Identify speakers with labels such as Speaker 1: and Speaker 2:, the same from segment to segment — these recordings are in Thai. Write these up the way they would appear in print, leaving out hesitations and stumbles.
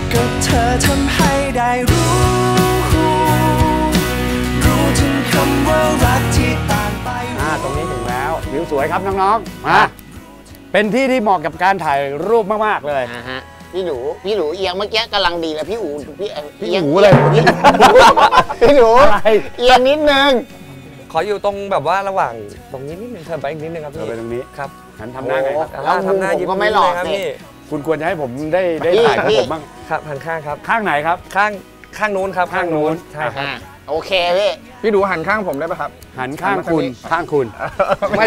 Speaker 1: ก็เธอทำให้ได้รู้ถึงคำว่ารักที่ต่างไป
Speaker 2: ตรงนี้ถึงแล้ววิวสวยครับน้องๆมาเป็นที่ที่เหมาะกับการถ่ายรูปมากๆเลย
Speaker 3: พี่หนูเอียงเมื่อกี้กำลังดีเลยพี่อู
Speaker 2: พี่หูเลย
Speaker 3: พี่หนูเอียงนิดนึง
Speaker 4: ขออยู่ตรงแบบว่าระหว่างตรงนี้นิดนึงเธอไปอีกนิดนึงครับพี่
Speaker 2: ไปตรงนี้
Speaker 4: ครับ
Speaker 2: หันทำหน้าไง
Speaker 3: แล้วทำหน้ายิ้มก็ไม่หลอก
Speaker 4: ครับพี่
Speaker 2: คุณควรจะให้ผมได้ถ่ายของผมบ้าง
Speaker 4: ครับหันข้างครับ
Speaker 2: ข้างไหนครับ
Speaker 4: ข้างนู้นครับ
Speaker 2: ข้างนู้น
Speaker 4: ใช่ครับ
Speaker 3: โอเคพี่
Speaker 5: ดูหันข้างผมได้ป่ะครับ
Speaker 2: หันข้างคุณไม่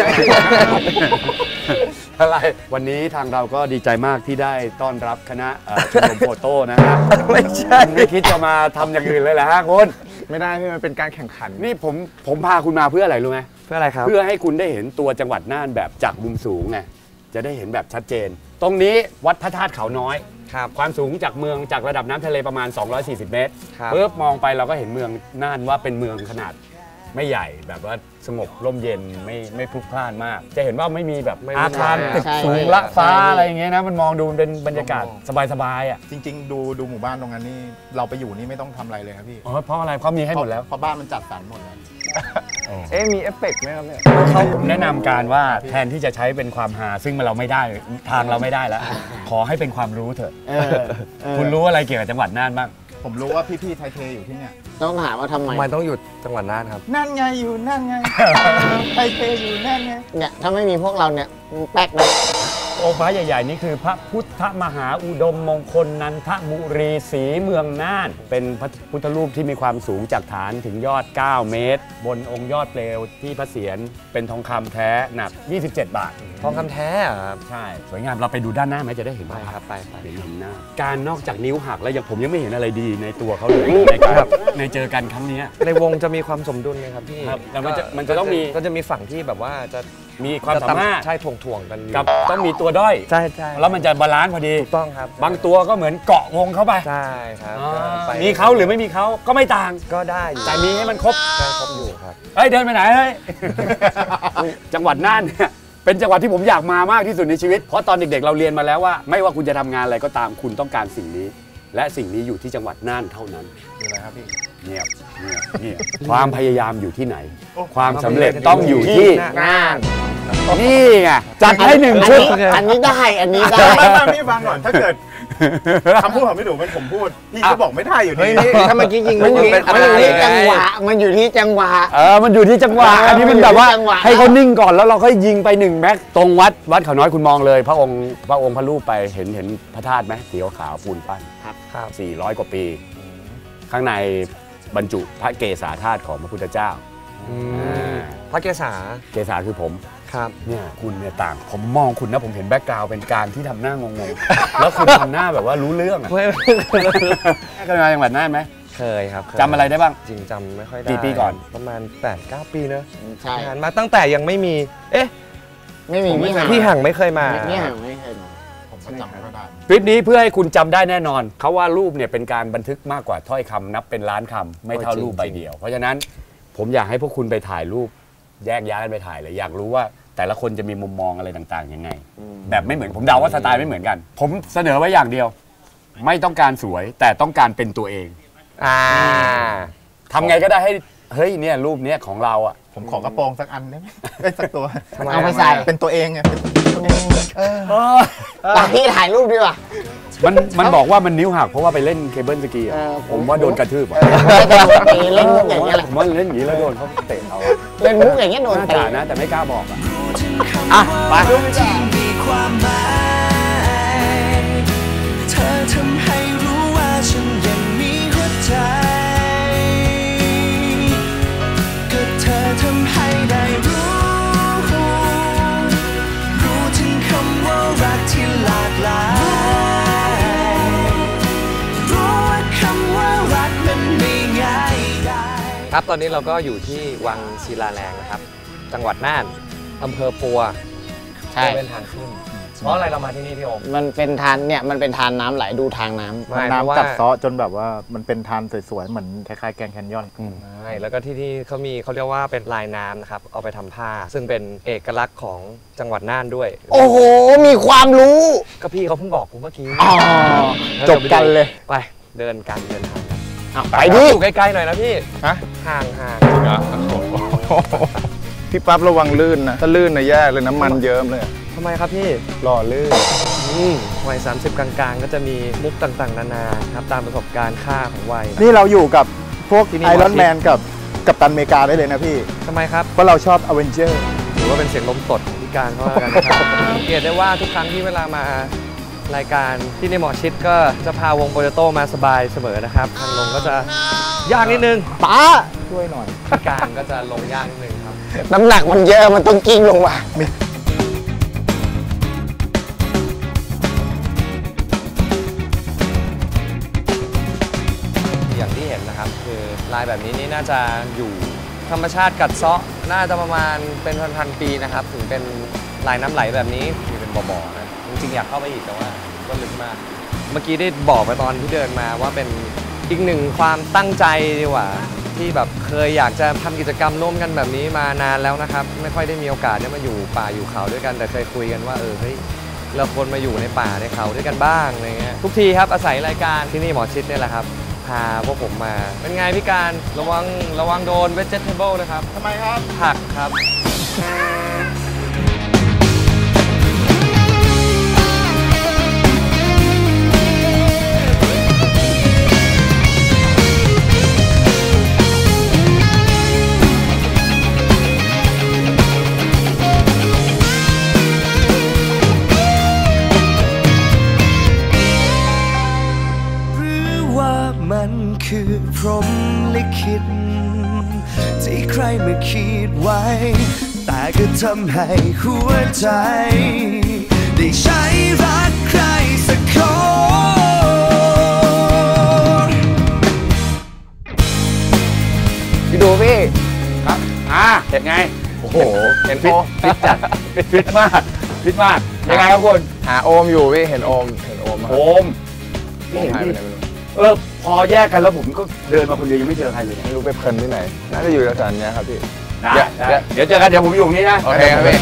Speaker 2: อะไรวันนี้ทางเราก็ดีใจมากที่ได้ต้อนรับคณะชมรมโฟโต้นะฮะ
Speaker 4: ไม่ใช่
Speaker 2: ไม่คิดจะมาทำอย่างอื่นเลยเหรอฮะคุณ
Speaker 5: ไม่ได้ที่มันเป็นการแข่งขัน
Speaker 2: นี่ผมพาคุณมาเพื่ออะไรรู้ไหม
Speaker 4: เพื่ออะไรครับ
Speaker 2: เพื่อให้คุณได้เห็นตัวจังหวัดน่านแบบจากมุมสูงไงจะได้เห็นแบบชัดเจนตรงนี้วัดพระธาตุเขาน้อยความสูงจากระดับน้ำทะเลประมาณ240เมตรปุ๊บมองไปเราก็เห็นเมืองน่านว่าเป็นเมืองขนาดไม่ใหญ่แบบว่าสงบร่มเย็นไม่พลุกพล่านมากจะเห็นว่าไม่มีแบบอาคารตึกสูงละฟ้าอะไรอย่างเงี้ยนะมันมองดูเป็นบรรยากาศสบายๆอ่ะ
Speaker 5: จริงๆดูหมู่บ้านตรงนั้นนี่เราไปอยู่นี่ไม่ต้องทำอะไรเลยครับพี่
Speaker 2: เพราะอะไรเขามีให้หมดแล้ว
Speaker 5: เพราะบ้านมันจัดสรรหมดเลยมีเอฟเฟกต์ไหมครับเนี่ย
Speaker 2: เขาแนะนำการว่าแทนที่จะใช้เป็นความฮาซึ่งเราไม่ได้ทางเราไม่ได้แล้วขอให้เป็นความรู้เถอะคุณรู้อะไรเกี่ยวกับจังหวัดน่านบ้าง
Speaker 5: ผมรู้ว่าพี่ไทยเทอยู่ที่เนี่ย
Speaker 3: ต้องถามว่าทำไม
Speaker 4: ต้องอยู่จังหวัดน่านครับ
Speaker 5: นั่นไงอยู่นั่นไงไทยเทอยู่นั่นไง
Speaker 3: เนี่ยถ้าไม่มีพวกเราเนี่ยแป๊กเลย
Speaker 2: องค์พระใหญ่ๆนี่คือพระพุทธมหาอุดมมงคลนันทบุรีศรีเมืองน่านเป็นพระพุทธรูปที่มีความสูงจากฐานถึงยอด9เมตรบนองค์ยอดเปลวที่พระเศียรเป็นทองคำแท้หนัก27 บาท
Speaker 4: ทองคำแท้ครับ
Speaker 2: ใช่สวยงามเราไปดูด้านหน้าไหมจะได้เห็น
Speaker 4: ครับไป
Speaker 2: เห็นหน้าการนอกจากนิ้วหักแล้วผมยังไม่เห็นอะไรดีในตัวเขาเลยในเจอกันครั้งนี้
Speaker 4: ในวงจะมีความสมดุลไหมครับพี่
Speaker 2: แล้วมันจะต้องมี
Speaker 4: ก็จะมีฝั่งที่แบบว่าจะ
Speaker 2: มีความสามารถ
Speaker 4: ใช่ถ่วงกัน
Speaker 2: กับต้องมีตัวด้อย
Speaker 4: ใช่
Speaker 2: แล้วมันจะบาลานซ์พอดี
Speaker 4: ถูกต้องครับ
Speaker 2: บางตัวก็เหมือนเกาะวงเข้าไป
Speaker 4: ใช่ครับ
Speaker 2: มีเขาหรือไม่มีเขาก็ไม่ต่าง
Speaker 4: ก็ได้
Speaker 2: แต่มีให้มันครบ
Speaker 4: อยู่ครับ
Speaker 2: เดินไปไหนเฮ้ยจังหวัดน่านเนี่ยเป็นจังหวัดที่ผมอยากมามากที่สุดในชีวิตเพราะตอนเด็กๆเราเรียนมาแล้วว่าไม่ว่าคุณจะทำงานอะไรก็ตามคุณต้องการสิ่งนี้และสิ่งนี้อยู่ที่จังหวัดน่านเท่านั้น
Speaker 5: คืออะไรครับพี่
Speaker 2: เงียบความพยายามอยู่ที่ไหนความสำเร็จต้องอยู่ที่
Speaker 3: น่าน
Speaker 2: นี่ไงจัดให้1 ชุด
Speaker 3: อันนี้ได้
Speaker 5: พี่ฟังก่อนถ้าเกิดคำพูดของพี่หนูเป็นผมพูดพี่ก็บอกไม่ได้อยู่ดี
Speaker 3: ถ้าเมื่อกี้ยิงมันอยู่ที่จังหวะมันอยู่ที่จังหวะ
Speaker 2: มันอยู่ที่จังหวะอันนี้มันแบบว่าให้เขานิ่งก่อนแล้วเราค่อยยิงไป1 แม็กตรงวัดเขาน้อยคุณมองเลยพระองค์พระรูปไปเห็นพระธาตุไหมสีขาวปูนปั้น
Speaker 3: ครับ
Speaker 2: 400 กว่าปีข้างในบรรจุพระเกศาธาตุของพระพุทธเจ้า
Speaker 4: พระเกศ
Speaker 2: าคือผม
Speaker 4: ครับ
Speaker 2: เนี่ยคุณเนี่ยต่างผมมองคุณนะผมเห็นแบ็กกราวด์เป็นการที่ทำหน้างงๆแล้วคุณทำหน้าแบบว่ารู้เรื่องอ่ะเคยมาจังหวัดน่านไหม
Speaker 4: เคยครับ
Speaker 2: จำอะไรได้บ้าง
Speaker 4: จริงจำไม่ค่อยได้
Speaker 2: กี่ปีก่อน
Speaker 4: ประมาณ 8-9 ปีเนอะ
Speaker 3: ใช่
Speaker 4: มาตั้งแต่ยังไม่มี
Speaker 3: ไม่มี
Speaker 4: พี่ห่างไม่เคยมา
Speaker 3: พี่ห่างไม่เคยมา
Speaker 5: ผมก็จำไม่ได้
Speaker 2: คลิปนี้เพื่อให้คุณจำได้แน่นอนเขาว่ารูปเนี่ยเป็นการบันทึกมากกว่าถ้อยคำนับเป็นล้านคำไม่เท่ารูปใบเดียวเพราะฉะนั้นผมอยากให้พวกคุณไปถ่ายรูปแยกย้ายกันไปถ่ายเลยอยากรู้ว่าแต่ละคนจะมีมุมมองอะไรต่างๆยังไงแบบไม่เหมือนผมเดาว่าสไตล์ไม่เหมือนกันผมเสนอไว้อย่างเดียวไม่ต้องการสวยแต่ต้องการเป็นตัวเองทำไงก็ได้ให้เฮ้ยเนี่ยรูปเนี้ยของเราอ่ะ
Speaker 5: ผมขอกระโปรงสักอันได้ไหมสักตัว
Speaker 3: เอาไปใส่
Speaker 5: เป็นตัวเองไง
Speaker 3: พี่ถ่ายรูปดีกว่า
Speaker 2: มันบอกว่ามันนิ้วหักเพราะว่าไปเล่นเคเบิลสกีผมว่าโดนกระทืบ
Speaker 3: เล่นมุกอย่างเงี้ย
Speaker 2: ผมว่าเล่นอย่างนี้แล้วโดนเขาเตะเอา
Speaker 3: เล่นมุกอย่างเงี้ยโดนเตะ
Speaker 2: นะแต่ไม่กล้าบอกอ่ะไป
Speaker 1: เธอทำให้รู้ว่าฉันยังมีหัวใจก็เธอทำให้ได้รู้ถึงคำว่ารักที่หลากหลายรู้ว่าคำว่ารักมันไม่ง่ายได้
Speaker 4: ครับตอนนี้เราก็อยู่ที่วังศิลาแรงนะครับจังหวัดน่านอำเภอปัว
Speaker 3: ใช่
Speaker 4: เป็นทางขึ้นเพราะอะไรเรามาที่นี่พี่โอม
Speaker 3: มันเป็นทานเนี่ยมันเป็นทานน้ำไหลดูทางน้ำ
Speaker 4: ไม่
Speaker 5: น้ำกัดเซาะจนแบบว่ามันเป็นทานสวยๆเหมือนคล้ายๆแกรนด์แคนยอน
Speaker 4: ใช่แล้วก็ที่นี่เขาเรียกว่าเป็นลายน้ำนะครับเอาไปทำผ้า ซึ่งเป็นเอกลักษณ์ของจังหวัดน่านด้วย
Speaker 3: โอ้โหมีความรู้
Speaker 4: ก็พี่เขาเพิ่งบอกผมเมื่อกี้
Speaker 3: อ๋อจบกันเลย
Speaker 4: ไปเดินทางกัน
Speaker 3: ไปดิ
Speaker 4: อยู่ใกล้ๆหน่อยนะพี่
Speaker 5: ฮะ
Speaker 4: ห่าง
Speaker 5: พี่ปั๊บระวังลื่นนะ ถ้าลื่นนะแย่เลยน้ำมันเยิ้มเลย
Speaker 4: ทำไมครับพี่
Speaker 5: หล่อลื่น
Speaker 4: วัย30 กลางๆ ก็จะมีมุกต่างๆ นานาครับตามประสบการณ์ค่าของวัย
Speaker 5: นี่เราอยู่กับพวก
Speaker 4: ที่นี่
Speaker 5: ไอรอนแมนกับกัปตันอเมริกาได้เลยนะพี่
Speaker 4: ทำไมครับ
Speaker 5: เพราะเราชอบอเวนเจอร์
Speaker 4: หรือว่าเป็นเสียงลมตดของพิการเขาแล้วกันนะครับสังเกตได้ว่าทุกครั้งที่เวลามารายการที่ในหมอชิดก็จะพาวงโปเตโต้มาสบายเสมอนะครับทางลงก็จะยากนิดนึง
Speaker 3: ป้า
Speaker 5: ช่วยหน่อย
Speaker 4: พิการก็จะลงยากนิดนึงครับ
Speaker 3: น้ำหนักมันเยอะมันต้องกิ้งลงมา
Speaker 4: อย่างที่เห็นนะครับคือลายแบบนี้นี่น่าจะอยู่ธรรมชาติกัดเซาะน่าจะประมาณเป็นพันๆปีนะครับถึงเป็นลายน้ำไหลแบบนี้มีเป็นบ่อๆนะจริงๆอยากเข้าไปอีกแต่ว่าก็ลึกมาก เมื่อกี้ได้บอกไปตอนที่เดินมาว่าเป็นอีกหนึ่งความตั้งใจดีกว่าที่แบบเคยอยากจะทำกิจกรรมร่วมกันแบบนี้มานานแล้วนะครับไม่ค่อยได้มีโอกาสได้มาอยู่ป่าอยู่เขาด้วยกันแต่เคยคุยกันว่าเฮ้ยเราควรมาอยู่ในป่าในเขาด้วยกันบ้างอะไรเงี้ยทุกทีครับอาศัยรายการที่นี่หมอชิดเนี่ยแหละครับพาพวกผมมาเป็นไงพี่การระวังโดน vegetable นะครับ
Speaker 5: ทำไมครับ
Speaker 4: ผักครับ
Speaker 1: หรือว่ามันคือพรหมลิขิตที่ใครมาคิดไว้ แต่ก็ทำให้หัวใจได้ใช้รักใครสักคน
Speaker 3: พี่ดูพี่
Speaker 2: ครับเห็นไงโอ้โห
Speaker 4: เห็น
Speaker 2: ฟิตจัดฟิตมากยังไงครับคุณ
Speaker 3: หาโอมอยู่พี่เห็นโอม
Speaker 2: โอมไม่เห็นพี่พอแยกกันแล้วผมก็เดินมาคนเดียวยังไม่เจอใครเลย
Speaker 5: ไม่รู้ไปเพลินที่ไหน น่าจะอยู่แถวๆนี้ครับพี่
Speaker 2: เดี๋ยวเจอกันเดี๋ยวผมอยู่ตรงนี้นะ
Speaker 3: โอเคครับพี่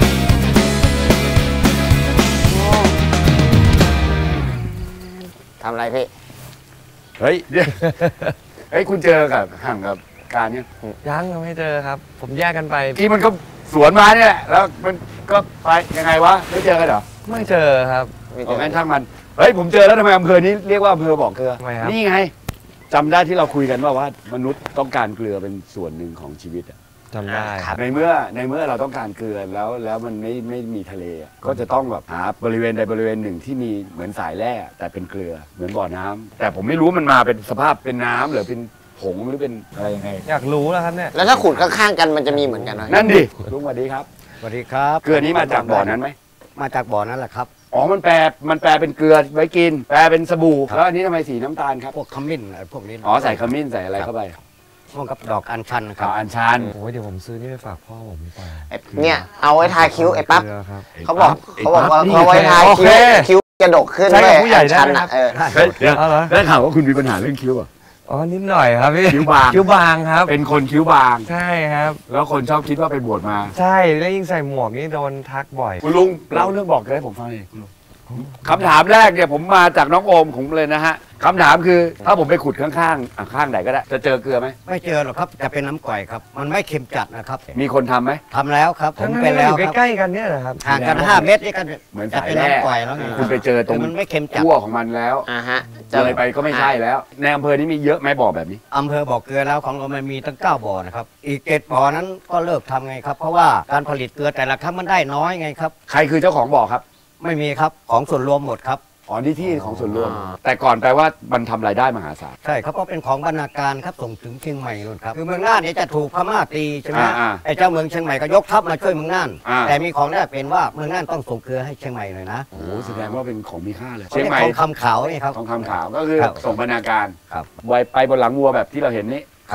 Speaker 3: ทำอะไรพี่
Speaker 2: เฮ้ยคุณเจอกับห่างกับการเนี่ย
Speaker 4: ยังไม่เจอครับ ผมแยกกันไป
Speaker 2: ที่มันก็สวนมาเนี่ยแหละแล้วมันก็ไปยังไงวะไม่เจอกันเหรอ
Speaker 4: ไม่เจอครับ
Speaker 2: งั้นช่างมันเฮ้ยผมเจอแล้วทำไมอำเภอนี้เรียกว่าอำเภอบ่อเกลือ
Speaker 4: ทำไมครับ
Speaker 2: นี่ไงจำได้ที่เราคุยกันว่ามนุษย์ต้องการเกลือเป็นส่วนหนึ่งของชีวิตอะ
Speaker 4: จำได้
Speaker 2: ในเมื่อเราต้องการเกลือแล้วมันไม่มีทะเลอะก็จะต้องแบบหาบริเวณใดบริเวณหนึ่งที่มีเหมือนสายแร่แต่เป็นเกลือเหมือนบ่อน้ำแต่ผมไม่รู้มันมาเป็นสภาพเป็นน้ำหรือเป็นผงหรือเป็นอะไรยังไง
Speaker 4: อยากรู้แล้วครับเนี่ย
Speaker 3: แล้วถ้าขุดข้างๆกันมันจะมีเหมือนกันไหม
Speaker 2: นั่นดิลุงสวัสดีครับ
Speaker 6: สวัสดีครับ
Speaker 2: เกลือนี้มาจากบ่อนั้นไหม
Speaker 6: มาจากบ่อนั้นแหละครับ
Speaker 2: อ๋อมันแปลเป็นเกลือไว้กินแปลเป็นสบู่แล้วอันนี้ทำไมสีน้ำตาลครับ
Speaker 6: พวกขมิ้นอะไรพวกนี้
Speaker 2: อ๋อใส่ขมิ้นใส่อะไรเข้าไป
Speaker 6: พวกกับดอกอัญชันครั
Speaker 2: ข่า
Speaker 6: บ
Speaker 2: วอัญชัน
Speaker 4: โอ้ยเดี๋ยวผมซื้อนี่ไปฝากพ่อผมดีกว่า
Speaker 3: เนี่ยเอาไว้ทาคิ้วไอ้ปั๊บ
Speaker 4: เกลือครับ
Speaker 3: เขาบอก
Speaker 2: ไอ้
Speaker 3: ว่า
Speaker 2: ปั๊บนี่
Speaker 3: เขาไว้ทา
Speaker 4: โอ
Speaker 3: คิ้
Speaker 4: เค
Speaker 3: วคิ้วจะดกขึ้น
Speaker 4: ใช้กับ
Speaker 3: เว้ย
Speaker 4: ผู้ใหญ่ได้
Speaker 3: ชัน
Speaker 4: ไหม
Speaker 3: อ่ะ
Speaker 4: ครับ
Speaker 2: เฮ้ยเดี๋ยว
Speaker 4: เอาเหรอ
Speaker 2: ได้ข่าวว่าคุณมีปัญหาเรื่องคิ้วอ่ะ
Speaker 4: อ๋อนิดหน่อยครับพี่
Speaker 2: คิ้วบาง
Speaker 4: คิ้วบางครับ
Speaker 2: เป็นคนคิ้วบาง
Speaker 4: ใช่ครับ
Speaker 2: แล้วคนชอบคิดว่าไปบวชมา
Speaker 4: ใช่แล้วยิ่งใส่หมวกนี่โดนทักบ่อย
Speaker 2: คุณลุงเล่าเรื่องบอกเกลือให้ผมฟังหน่อยคุณลุงคำถามแรกเนี่ยผมมาจากน้องโอมของผมเลยนะฮะคำถามคือถ้าผมไปขุดข้างๆข้างไหนก็ได้จะเจอเกลือไหม
Speaker 6: ไม่เจอหรอกครับจะเป็นน้ำก่อยครับ มันไม่เค็มจัดนะครับ
Speaker 2: มีคนทำไหม
Speaker 6: ทำแล้วครับผม
Speaker 4: ทั้งนั้น
Speaker 6: เป็นแล้ว
Speaker 4: อยู่
Speaker 6: ครับ
Speaker 4: ใกล้ๆกันเนี่ยนะครับ
Speaker 6: ห่างกัน5 เมตรนี่ก็
Speaker 2: เหมือน
Speaker 6: จะ
Speaker 2: สาย
Speaker 6: เป็น
Speaker 2: แร่
Speaker 6: น้ำก่อยแล้วไง
Speaker 2: คุณไปเจอตรง
Speaker 6: มันไม่เค็มจัด
Speaker 2: ขั้วของมันแล้ว
Speaker 3: ฮะ
Speaker 2: เลยไปก็ไม่ใช่แล้วในอำเภอนี้มีเยอะไหมบ่อแบบนี้
Speaker 6: อำเภอบ่อเกลือแล้วของเรามันมีตั้ง9 บ่อนะครับอีก7 บ่อนั้นก็เลิกทำไงครับ เพราะว่าการผลิตเกลือแต่ละครั้งมันได้น้อยไงครับ
Speaker 2: ใครคือเจ้าของบ่อครับ
Speaker 6: ไม่มีครับของส่วนรวมหมดครับ
Speaker 2: อ๋อนี่ที่ของส่วนรวม แต่ก่อนแปลว่ามันทำรายได้มหาศาล
Speaker 6: ใช่ครับเพราะเป็นของบรรณาการครับส่งถึงเชียงใหม่นู่นครับคือเมืองน่านเนี่ยจะถูกพม่าตีใช่ไหม
Speaker 2: อ่า
Speaker 6: ไอ้เจ้าเมืองเชียงใหม่ก็ยกทัพมาช่วยเมืองน่าน
Speaker 2: อ่า
Speaker 6: แต่มีของแรกเป็นว่าเมืองน่านต้องส่งเกลือให้เชียงใหม่หน่อยนะ
Speaker 2: โอ้โหแสดงว่าเป็นของมีค่าเลย
Speaker 6: เขา
Speaker 2: เชียง
Speaker 6: เรียก
Speaker 2: ใหม่
Speaker 6: ทองคำขาวนี่ครับ
Speaker 2: ทองคำขาวก็คือ
Speaker 6: ครับ
Speaker 2: ส่งบรรณาการ
Speaker 6: ครับ
Speaker 2: ไว้ไปบนหลังวัวแบบที่เราเห็นนี่
Speaker 6: ครับ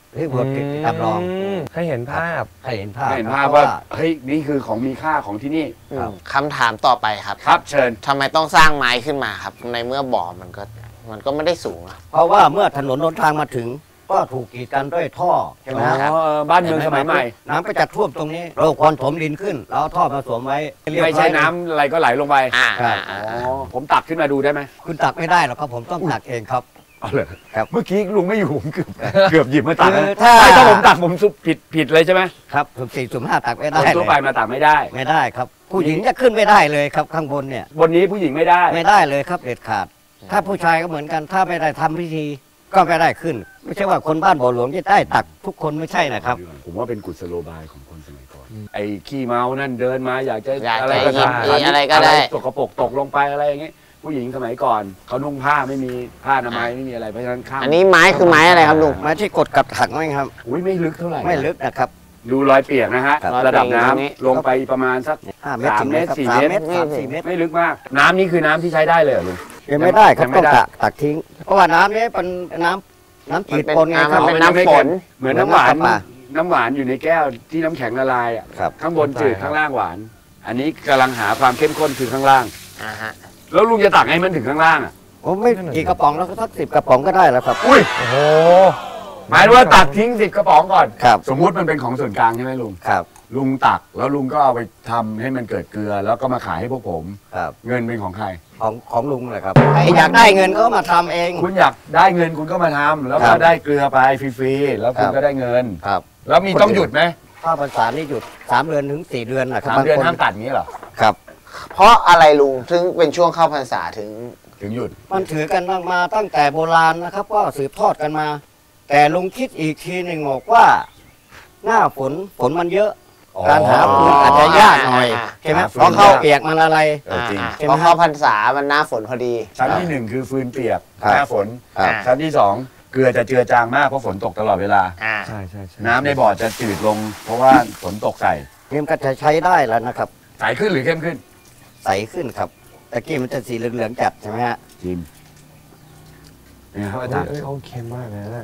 Speaker 6: ที่บทจำลอง
Speaker 4: ให้เห็นภาพ
Speaker 6: ให้เห็นภาพ
Speaker 2: ให้เห็นภาพว่าเฮ้ยนี่คือของมีค่าของที่นี่
Speaker 3: คำถามต่อไปครับ
Speaker 2: ครับเชิญ
Speaker 3: ทำไมต้องสร้างไม้ขึ้นมาครับ ในเมื่อบ่อมันก็ไม่ได้สูงอะ
Speaker 6: เพราะว่าเมื่อถนนหนทางมาถึง ก็ถูกกีดกันด้วยท่อใช่ไหมฮะ
Speaker 2: บ้านเมืองสมัยใหม่
Speaker 6: น้ำก็จะท่วมตรงนี้เราควรถมดินขึ้นแล้วเอาท่อมาสวมไว้เรียบร้อย
Speaker 2: ไม่ใช่น้ำอะไรก็ไหลลงไป
Speaker 6: ครับ
Speaker 2: อ๋อผมตักขึ้นมาดูได้ไหม
Speaker 6: คุณตักไม่ได้หรอกครับผมต้องตักเองครับ
Speaker 2: เอาเลย
Speaker 6: ครับ
Speaker 2: เมื่อกี้ลุงไม่อยู่ผมเกือบหยิบมาตัก
Speaker 6: คือ
Speaker 2: นะ
Speaker 6: ถ้า
Speaker 2: ไม่ถ้าผมตักผมซุปผิดเลยใช่ไหม
Speaker 6: ครับสุ่มสี่สุ่มห้าตักไม่
Speaker 2: ค
Speaker 6: ได้
Speaker 2: น
Speaker 6: เล
Speaker 2: ทั่วไป
Speaker 6: ย
Speaker 2: มาตักไม่ได้
Speaker 6: ไม่ได้ครับ ผู้หญิงจะขึ้นไม่ได้เลยครับข้างบนเนี่ย
Speaker 2: บนนี้ผู้หญิงไม่ได้
Speaker 6: ไม่ได้เลยครับเด็ดขาด ถ้าผู้ชายก็เหมือนกันถ้าไม่ได้ทำพิธีก็ไม่ได้ขึ้น ไม่ใช่ว่าคนบ้านบ่อหลวงจะได้ตักทุกคนไม่ใช่นะครับ
Speaker 2: ผมว่าเป็นกุศโลบายของคนสมัยก่อนไอ้ขี้เมานั่นเดินมาอยากจะ
Speaker 3: อยากจะ
Speaker 2: อะไรก็ตาม
Speaker 3: หยิบอะไรก็ได้
Speaker 2: ตกกระปรกตกลงไปอะไรอย่างเงี้ยผู้หญิงสมัยก่อนเขานุ่งผ้าไม่มีผ้าอนามัยไม่มีอะไรเพราะฉะนั้นข้าม
Speaker 3: อันนี้ไม้คือไม้อะไรครับลุง
Speaker 6: ไม้ที่กดกับถังไว้ครับ
Speaker 2: อุ้ยไม่ลึกเท่าไหร่
Speaker 6: ไม่ลึกนะครับ
Speaker 2: ดูรอยเปียกนะฮะ
Speaker 6: ครับ
Speaker 2: ระดับน้ำ
Speaker 3: รอยเปียกอย่างนี้
Speaker 2: ลงไปประมาณสัก
Speaker 6: 5 เมตร
Speaker 2: 3
Speaker 6: ถึง
Speaker 2: เมตร
Speaker 6: ครับ
Speaker 2: 4
Speaker 6: 3
Speaker 2: เมตร
Speaker 6: เมตร 3-4 เมตร
Speaker 2: ไม่ลึกมาก น้ำนี่คือน้ำที่ใช้ได้เลยเหรอลุง
Speaker 6: ยังไม่ได้ครับ
Speaker 2: ยังไม่
Speaker 6: ต้อง
Speaker 2: ได้
Speaker 6: ตักทิ้ง เพราะว่าน้ำนี้เป็นน้ำจืดปนไงค
Speaker 3: มั
Speaker 6: รับ
Speaker 3: นเป็นน้ำฝน
Speaker 2: เหมือนน้ำหวาน
Speaker 6: เหมือนน้ำปลา
Speaker 2: น้ำหวานอยู่ในแก้วที่น้ำแข็งละลายอ่ะ
Speaker 6: ครับ
Speaker 2: ข้างบนจืดข้างล่างหวาน อันนี้กำลังหาความเข้มข้นคือข้างล่าง
Speaker 3: ฮะ
Speaker 2: แล้วลุงจะตักให้มันถึงข้างล่างอ่ะ
Speaker 6: ผมไม่กี่กระป๋องแล้วก็สัก10 กระป๋องก็ได้แล้วครับ
Speaker 2: อุ้ย
Speaker 4: โอ้โห
Speaker 2: หมายถึงว่าตักทิ้ง10 กระป๋องก่อน
Speaker 6: ครับ
Speaker 2: สมมุติมันเป็นของส่วนกลางใช่ไหมลุง
Speaker 6: ครับ
Speaker 2: ลุงตักแล้วลุงก็เอาไปทำให้มันเกิดเกลือ แล้วก็มาขายให้พวกผม
Speaker 6: ครับ
Speaker 2: เงินเป็นของใคร
Speaker 6: ของลุงเลยครับใครอยากได้เงินก็มาทำเอง
Speaker 2: คุณอยากได้เงินคุณก็มาทำแล้ว
Speaker 6: ครั
Speaker 2: ก็
Speaker 6: บ
Speaker 2: ได้เกลือไปฟรีๆแล้วคุณ
Speaker 6: ครับ
Speaker 2: ก็ได้เงิน
Speaker 6: ครับ
Speaker 2: แล้วมีต้องหยุดไหม
Speaker 6: ถ้าภาษานี่หยุด3 เดือนถึง 4 เดือนนะครับ
Speaker 2: 3 เดือน
Speaker 6: บงค
Speaker 2: ห้ามตัดอย่างนี้เหรอ
Speaker 6: ครับ
Speaker 3: เพราะอะไรลุงถึงเป็นช่วงเข้าพรรษาถึง
Speaker 2: ถึงหยุด
Speaker 6: มันถือกันมาตั้งแต่โบราณนะครับก็สืบทอดกันมา แต่ลุงคิดอีกทีหนึ่งบอกว่า หน้าฝนมันเยอะ
Speaker 2: อ๋อ
Speaker 6: การหาฟืนอาจจะยากหน่อยใช่ไหม
Speaker 2: หาฟืน
Speaker 6: เพราะเข้าเปียกมันอะไร
Speaker 2: จริง
Speaker 6: ใช่ไหม
Speaker 3: เพราะเข้าพรรษามันหน้าฝนพอดี
Speaker 2: ชั้นที่หนึ่งคือฟืนเปียก
Speaker 6: ครับ
Speaker 2: หน้าฝน
Speaker 6: ครับ
Speaker 2: ชั้นที่สองเกลือจะเจือจางมากเพราะฝนตกตลอดเวลา
Speaker 4: ใช่ใช่ใช่
Speaker 2: น้ำในบ่อจะจืดลง เพราะว่าฝนตกใส่
Speaker 6: เกมก็จะใช้ได้แล้วนะครับ
Speaker 2: ใสขึ้นหรือเข้มขึ้น
Speaker 6: ใสขึ้นครับตะกี้มันจะสีเหลืองๆจัดใช่ไหมฮะ
Speaker 2: จิมเนี่ยครับอาจารย์
Speaker 4: เอ้ยเขาเค็มมากเลยนะ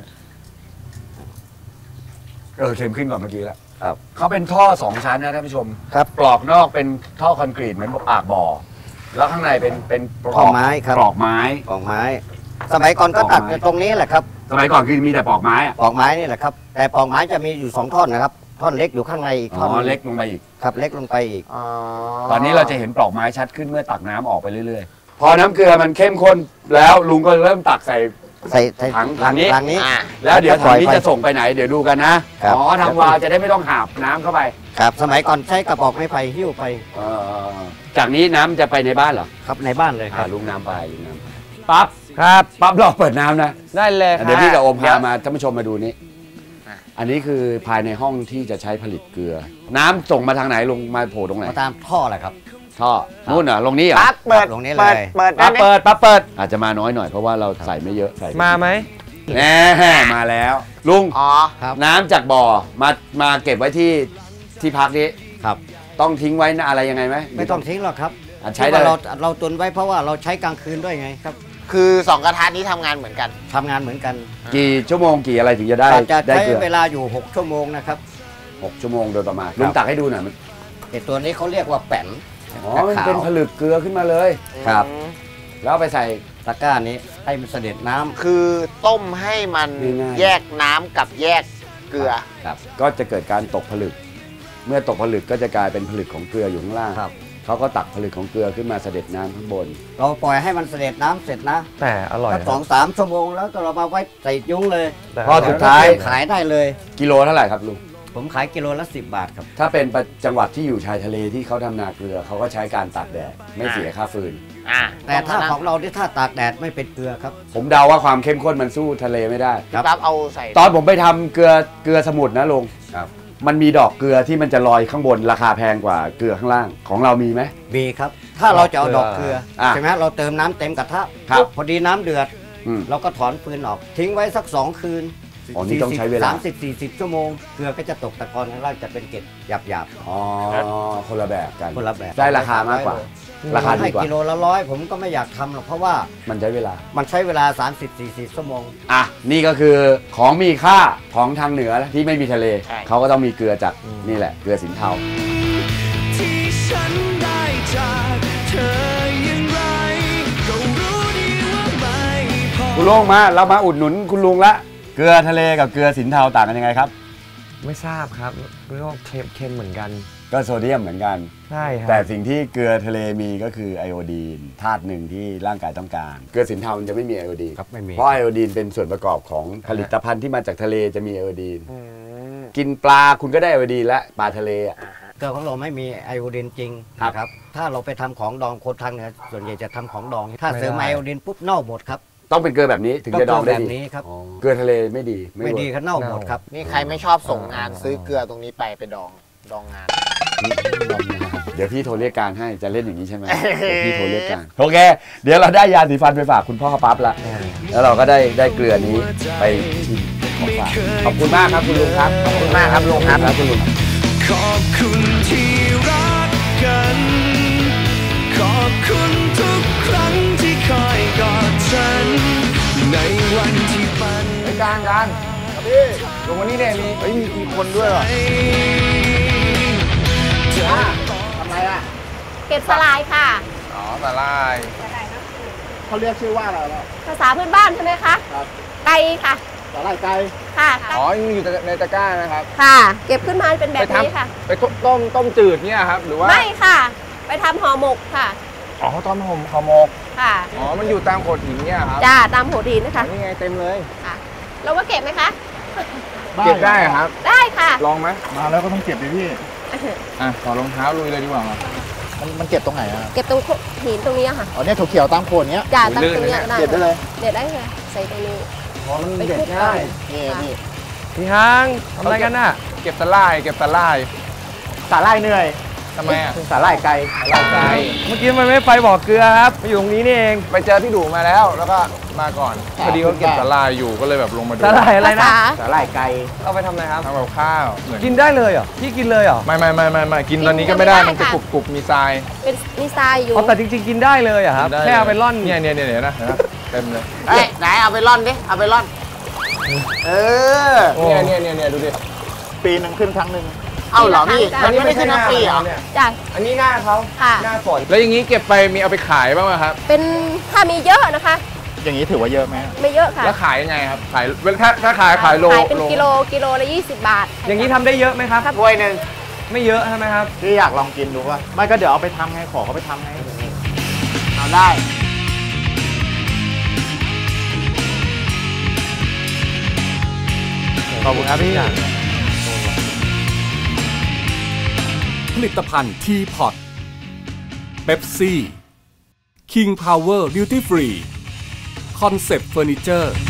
Speaker 2: เข้มขึ้นกว่าเมื่อกี้แล้ว
Speaker 6: ครับ
Speaker 2: เขาเป็นท่อ2 ชั้นนะท่านผู้ชม
Speaker 6: ครับ
Speaker 2: ปลอกนอกเป็นท่อคอนกรีตเหมือนปากบ่อ แล้วข้างในเป็นปล
Speaker 6: ท่
Speaker 2: อ
Speaker 6: อก ไม้ครับ
Speaker 2: ปลอกไม้
Speaker 6: ปอกไม้ สมัยก่อนก็ตัดกันตรงนี้แหละครับ
Speaker 2: สมัยก่อนคือมีแต่ปลอกไม้อะ
Speaker 6: ปอกไม้นี่แหละครับ แต่ปอกไม้จะมีอยู่2 ท่อนนะครับ ท่อนเล็กอยู่ข้างในอีก
Speaker 2: อ๋
Speaker 6: ท่อนห
Speaker 2: อ
Speaker 6: นึ่ง
Speaker 2: เล็กลงไปอีก
Speaker 6: ครับเล็กลงไปอีก
Speaker 2: ตอนนี้เราจะเห็นปลอกไม้ชัดขึ้นเมื่อตักน้ำออกไปเรื่อยๆ พอน้ำเกลือมันเข้มข้นแล้วลุงก็เริ่มตักใส่
Speaker 6: ใส่
Speaker 2: ถังนี้
Speaker 6: ถังนี้
Speaker 2: แล้วเดี๋ยวถังนี้
Speaker 6: ปล่อยไป
Speaker 2: จะส่งไปไหนเดี๋ยวดูกันนะครับ อ๋อทางวาล์วจะได้ไม่ต้องหาบน้ำเข้าไป
Speaker 6: ครับ สมัยก่อนใช้กระบอกไม้ไผ่หิ้วไป
Speaker 2: เออจากนี้น้ำจะไปในบ้านเหรอ
Speaker 6: ครับในบ้านเลยครับ
Speaker 2: ลุงน้ำไปลุงน้ำไปปั๊บ
Speaker 4: ครับ
Speaker 2: ปั๊บรอเปิดน้ำนะ
Speaker 4: ได้เลยครับ
Speaker 2: เดี๋ยวพี่กับโอมพามาท่านผู้ชมมาดูนี้ อันนี้คือภายในห้องที่จะใช้ผลิตเกลือ น้ำส่งมาทางไหนลงมาโผล่ตรงไหน
Speaker 6: มาตามท่อแหละครับ
Speaker 2: ท่อนู่นเหรอลงนี้เหรอ
Speaker 3: ปั๊บเปิด
Speaker 6: ลงนี้เลย
Speaker 3: เปิด
Speaker 2: ปั๊
Speaker 3: ได้
Speaker 2: บ
Speaker 3: ไหม
Speaker 2: เปิดปั๊บเปิดอาจจะมาน้อยหน่อยเพราะว่าเราใส่ไม่เยอะใส่
Speaker 4: มาไหม
Speaker 2: แน่มาแล้ว ลุง
Speaker 3: อ๋อ
Speaker 6: ครับ
Speaker 2: น้ำจากบ่อมาเก็บไว้ที่พักนี้
Speaker 6: ครับ
Speaker 2: ต้องทิ้งไว้อะไรยังไงไหม
Speaker 6: ไม่ต้องทิ้งหรอกครับ
Speaker 2: อ่ะใช้ได้
Speaker 6: ที่ว่าเราตุนไว้เพราะว่าเราใช้กลางคืนด้วยไงครับ
Speaker 3: คือ2 กระทะนี้ทำงานเหมือนกัน
Speaker 6: ทำงานเหมือนกัน
Speaker 2: กี่ชั่วโมงกี่อะไรถึงจะได้
Speaker 6: จะ
Speaker 2: ได้
Speaker 6: ใช้
Speaker 2: เกลือ
Speaker 6: เวลาอยู่6 ชั่วโมงนะครับ
Speaker 2: 6 ชั่วโมงโดยประมาณลุงตักให้ดูหน่อยมัน
Speaker 6: ไอ้ตัวนี้เขาเรียกว่าแป้น
Speaker 2: อ๋อมันเป็นผลึกเกลือขึ้นมาเลย
Speaker 6: ครับ
Speaker 2: แล้วเอาไปใส่
Speaker 6: ตะกร้านี้ให้มันเสด็จน้ำ
Speaker 3: คือต้มให้มัน
Speaker 2: ง่ายๆ
Speaker 3: แยกน้ำกับแยกเกลือ
Speaker 2: ก็จะเกิดการตกผลึก เมื่อตกผลึกก็จะกลายเป็นผลึกของเกลืออยู่ข้างล่าง
Speaker 6: ครับ
Speaker 2: เขาก็ตักผลึกของเกลือขึ้นมาเสด็จน้ำข้างบน
Speaker 6: เราปล่อยให้มันเสด็จน้ำเสร็จนะ
Speaker 4: แต่อร่อย
Speaker 6: สัก
Speaker 4: นะ
Speaker 6: 2-3 ชั่วโมงแล้วก็เรามาไว้ใส่ยุ้งเลย
Speaker 4: แต่
Speaker 2: พอสุดท้าย
Speaker 6: ขายได้เลย
Speaker 2: กิโลเท่าไหร่ครับลุง
Speaker 6: ผมขายกิโลละ10 บาทครับ
Speaker 2: ถ้าเป็นจังหวัดที่อยู่ชายทะเลที่เขาทำนาเกลือเขาก็ใช้การตากแดดไม่เสียค่าฟืน
Speaker 6: แต่ถ้าของเราที่ถ้าตากแดดไม่เป็นเกลือครับ
Speaker 2: ผมเดาว่าความเข้มข้นมันสู้ทะเลไม่ได้
Speaker 3: พี่ปั๊บเอาใส่
Speaker 2: ตอนผมไปทำเกลือสมุทรนะลุงมันมีดอกเกลือที่มันจะลอยข้างบนราคาแพงกว่าเกลือข้างล่างของเรามีไหม
Speaker 6: มีครับ ถ้าเราจะเอาดอกเกลือ
Speaker 2: อ่ะ
Speaker 6: ใช่ไหมเราเติมน้ำเต็มกระทะ
Speaker 2: ครับ
Speaker 6: พอดีน้ำเดือด
Speaker 2: อืม
Speaker 6: เราก็ถอนฟืนออก ทิ้งไว้สัก2 คืน
Speaker 2: อ๋อนี่ต้องใช้เวลา
Speaker 6: 30-40 ชั่วโมงเกลือก็จะตกตะกอนข้างล่างจะเป็นเกล็ดหยาบ
Speaker 2: อ๋อคนละแบบกัน
Speaker 6: ๆคนละแบบ
Speaker 2: ได้ราคามากกว่าราคาดี
Speaker 6: ให้
Speaker 2: กว่า
Speaker 6: กิโลละ100ผมก็ไม่อยากทำหรอกเพราะว่า
Speaker 2: มันใช้เวลา
Speaker 6: มันใช้เวลา 30-40 ชั่วโมง
Speaker 2: อ่ะนี่ก็คือของมีค่าของทางเหนือที่ไม่มีทะเล เขาก็ต้องมีเกลือจากนี่แหละเกลือสินเทา
Speaker 1: ที่ฉันได้จากเธออย่างไรก็รู้ดีว่าไม่พอ
Speaker 2: คุณลุงมาเรามาอุดหนุนคุณลุงละเกลือทะเลกับเกลือสินเทาต่างกันยังไงครับ
Speaker 4: ไม่ทราบครับเรียกว่าเค็มเหมือนกัน
Speaker 2: ก็โซเดียมเหมือนกัน
Speaker 4: ใช่ครับ
Speaker 2: แต่สิ่งที่เกลือทะเลมีก็คือไอโอดีนธาตุหนึ่งที่ร่างกายต้องการ เกลือสินเทามันจะไม่มีไอโอดีน
Speaker 6: ครับไม่มี
Speaker 2: เพราะไอโอดีนเป็นส่วนประกอบของผลิตภัณฑ์ที่มาจากทะเลจะมีไอโอดีนกินปลาคุณก็ได้ไอโอดีนและปลาทะเลอ่ะ
Speaker 6: เกลือของเราไม่มีไอโอดีนจริง
Speaker 2: ครับ
Speaker 6: นะครับถ้าเราไปทำของดองคนทางเหนือส่วนใหญ่จะทำของดอง ถ้าเสริมไอโอดีนปุ๊บเน่าหมดครับ
Speaker 2: ต้องเป็นเกลือแบบนี้ถึงจะดองได้
Speaker 6: แบบ
Speaker 2: ดี
Speaker 6: นี้ครับ
Speaker 2: อ๋อเกลือทะเลไม่ดี
Speaker 6: ไม่ดีก็เน่าหมดครับ
Speaker 3: นี่ใครไม่ชอบส่งงานซื้อเกลือตรงนี้ไปดองงาน
Speaker 2: เดี๋ยวพี่โทรเรียกการให้จะเล่นอย่างนี้ใช่ไหมเดี๋ยวพี่โทรเรียกการโอเค เดี๋ยวเราได้ยาสีฟันไปฝากคุณพ่อปั๊บละแล้วเราก็ได้เกลือนี้ไปชิมของฝากขอบคุณมากครับคุณลุงครับขอบคุณมากครับลุงครับคุณลุง
Speaker 1: ขอบคุณที่รักกัน ขอบคุณทุกครั้งที่คอยกอดฉัน ในวันที่มัน
Speaker 4: การพี่ลงวันนี้เนี่ยมีคนด้วยเหรอ
Speaker 3: ทำไรอ่ะ
Speaker 7: เก็บสลายค่ะ
Speaker 4: อ๋อสาลาย
Speaker 3: เขาเรียกชื่อว่าอะไรล่ะ
Speaker 7: ภาษาพื้นบ้านใช่ไหมคะ
Speaker 3: ครับ
Speaker 7: ไก่ค่ะ
Speaker 3: สาหร่ายไก่
Speaker 7: ค่ะ
Speaker 4: อ๋อยังอยู่ในตะกร้านะครับ
Speaker 7: ค่ะ เก็บขึ้นมาเป็นแบบนี้ค่ะ
Speaker 4: ไปต้มจืดเนี่ยครับหรือว่า
Speaker 7: ไม่ค่ะ ไปทำห่อหมกค่ะ
Speaker 4: อ๋อต้มห่อหมก
Speaker 7: ค่ะ
Speaker 4: อ๋อมันอยู่ตามโขดหินเนี่ยครับ
Speaker 7: จ้าตามโหดีนนะคะ
Speaker 4: นี่ไงเต็มเลย
Speaker 7: ค่ะ เราว่าเก็บไหมคะ
Speaker 4: เก็บได้ครับ
Speaker 7: ได้ค่ะ
Speaker 4: ลองไหม
Speaker 5: มาแล้วก็ต้องเก็บดิพี่
Speaker 4: อ่ะขอรองเท้าลุยเลยดีกว่ามา
Speaker 3: มันเก็บตรงไหนอ่ะ
Speaker 7: เก็บตรงหินตรงนี้ค่ะ
Speaker 3: อ๋อเนี่ยเขียวๆตามโคนเนี้ย
Speaker 7: จ้าตามตรงนี้ก็ได้
Speaker 3: เก็บได้เลย
Speaker 7: เด็ดได้ค่ะใส่ตรงนี้
Speaker 3: อ๋อมัน
Speaker 7: ไป
Speaker 3: เด็ด
Speaker 7: คลุก
Speaker 3: ง่าย
Speaker 7: ก่อน
Speaker 3: นี่
Speaker 7: ค่ะ
Speaker 3: นี่
Speaker 4: พี่ฮังทำอะไรกันน่ะเก็บตะไลาย
Speaker 3: สาหร่ายเหนื่อย
Speaker 4: ทำไมอ่ะ
Speaker 3: สาหร่ายไก่
Speaker 4: เมื่อกี้มันไม่ไปบ่อเกลือครับมาอยู่ตรงนี้นี่เองไปเจอพี่ดูมาแล้วก็มาก่อนพอดีเขาเก็บตะไลายอยู่ก็เลยแบบลงมาดูตะไลอะไรนะ
Speaker 3: สาหร่ายไก่
Speaker 4: เอาไปทำอะไรครับทำกับข้าวกินได้เลยเหรอพี่กินเลยเหรอไม่กินตอนนี้ก็ไม่ได้มันจะกรุบมีทราย
Speaker 7: เป็นมีทรายอยู่
Speaker 4: แต่จริงๆกินได้เลยอะครับแค่เอาไปร่อนเนี่ยนะเต็มเลย
Speaker 3: เอ้ยไหนเอาไปร่อนดิ เอาไปร่อน เออ
Speaker 4: เนี่ยดูดิ
Speaker 3: ปีหนึ่งขึ้นครั้งหนึ่งเอ้าเหรอพี่ มันไม่ได้ขึ้นทั้งปีเหรอ
Speaker 7: จ้า
Speaker 4: อันนี้หน้าเขา
Speaker 7: ค่ะ
Speaker 4: หน้าฝนแล้วอย่างนี้เก็บไปมีเอาไปขายบ้างไหมครับ
Speaker 7: เป็นถ้ามีเยอะนะคะ
Speaker 3: อย่างนี้ถือว่าเยอะไหม
Speaker 7: ไม่เยอะค่ะ
Speaker 4: แล้วขายยังไงครับขายถ้าขายโล
Speaker 7: ขายเป็นกิโลละ20 บาท
Speaker 4: อย่างนี้ทำได้เยอะไหมครับ
Speaker 3: ถ้วยหนึ่ง
Speaker 4: ไม่เยอะใช่ไหมครับ
Speaker 3: พี่อยากลองกินดูว่าไม่ก็เดี๋ยวเอาไปทำไงขอเขาไปทำไงเอาได้
Speaker 4: ขอบคุณครับพี่
Speaker 8: ผลิตภัณฑ์ทีพอตเป๊ปซี่ King Power Duty Free คอนเซปต์เฟอร์นิเจอร์